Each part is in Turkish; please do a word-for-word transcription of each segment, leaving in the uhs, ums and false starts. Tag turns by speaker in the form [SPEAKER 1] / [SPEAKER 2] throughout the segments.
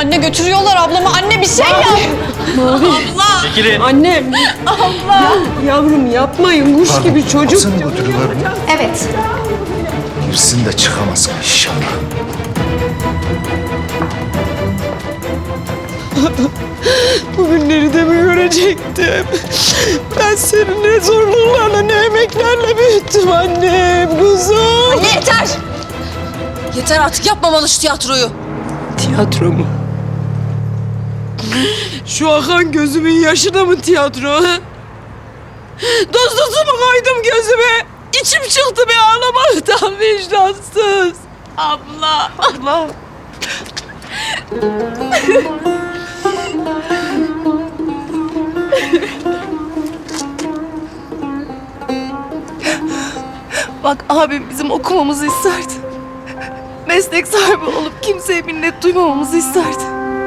[SPEAKER 1] Anne götürüyorlar ablamı. Anne bir şey yap.
[SPEAKER 2] Mavi.
[SPEAKER 1] Abla.
[SPEAKER 3] Çekilin.
[SPEAKER 2] Annem.
[SPEAKER 1] Abla.
[SPEAKER 2] Ya, yavrum yapmayın kuş
[SPEAKER 4] Pardon,
[SPEAKER 2] gibi çocuk.
[SPEAKER 4] hapse mi götürüyorlar bunu?
[SPEAKER 1] Evet.
[SPEAKER 4] Girsin de çıkamaz inşallah.
[SPEAKER 2] Bugünleri de mi görecektim? Ben seni ne zorluklarla ne emeklerle büyüttüm annem kuzum.
[SPEAKER 1] Anne yeter. Yeter artık yapmamalı şu tiyatroyu.
[SPEAKER 2] Tiyatro mu? Şu akan gözümün yaşı da mı tiyatro? Ha? Doz dozumu koydum gözüme. İçim çıktı be ağlamaktan vicdansız. Abla. Abla.
[SPEAKER 5] Bak abim bizim okumamızı isterdi. Meslek sahibi olup kimseye minnet duymamamızı isterdi.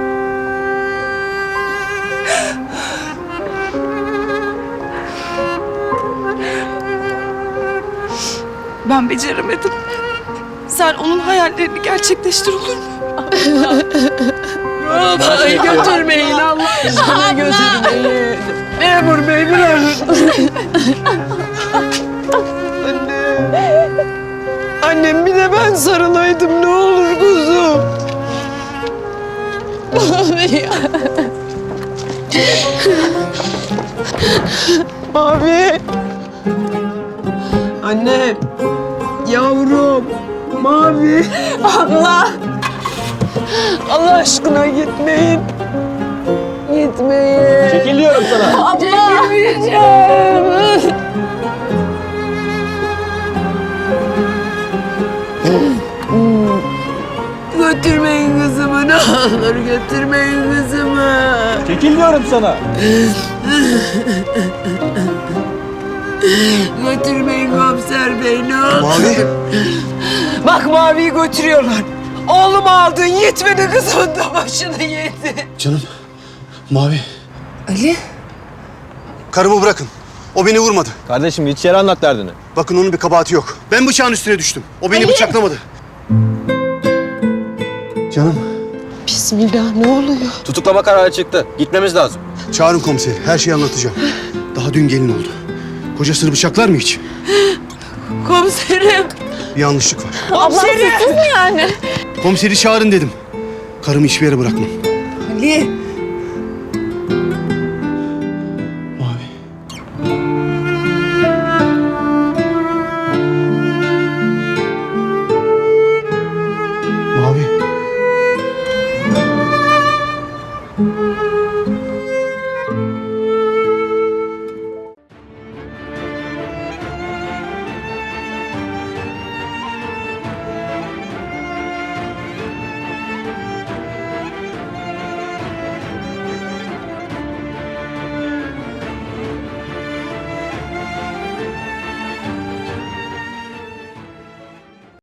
[SPEAKER 5] Ben beceremedim. Sen onun hayallerini gerçekleştir olur mu?
[SPEAKER 2] Vallahi götürmeyin Allah aşkına götürmeyin. Memur bey bırakın. Anne. Annem bir de ben sarılaydım ne olur kuzum. Mavi. Mavi. Anne. Yavrum. Mavi. Abla. Allah aşkına gitmeyin. Gitmeyin.
[SPEAKER 3] Çekil diyorum sana.
[SPEAKER 2] Çekilmeyeceğim. Götürmeyin kızımı ne olur götürmeyin kızımı.
[SPEAKER 3] Çekil diyorum sana.
[SPEAKER 2] Götürmeyin komiser bey ne olur.
[SPEAKER 4] Mavi.
[SPEAKER 2] Bak Mavi'yi götürüyorlar. Oğlumu aldın yetmedi kızımın da başını yedi.
[SPEAKER 4] Canım. Mavi.
[SPEAKER 5] Ali?
[SPEAKER 6] Karımı bırakın. O beni vurmadı.
[SPEAKER 3] Kardeşim hiç yere anlat derdini.
[SPEAKER 6] Bakın onun bir kabahati yok. Ben bıçağın üstüne düştüm. O beni bıçaklamadı. Canım.
[SPEAKER 2] Bismillah ne oluyor?
[SPEAKER 3] Tutuklama kararı çıktı. Gitmemiz lazım.
[SPEAKER 6] Çağırın komiseri. Her şeyi anlatacağım. Daha dün gelin oldu. Kocasını bıçaklar mı hiç?
[SPEAKER 2] Komiserim.
[SPEAKER 6] Bir yanlışlık var.
[SPEAKER 2] Komiserim.
[SPEAKER 1] Yani.
[SPEAKER 6] Komiseri çağırın dedim. Karımı hiçbir yere bırakmam.
[SPEAKER 5] Ali?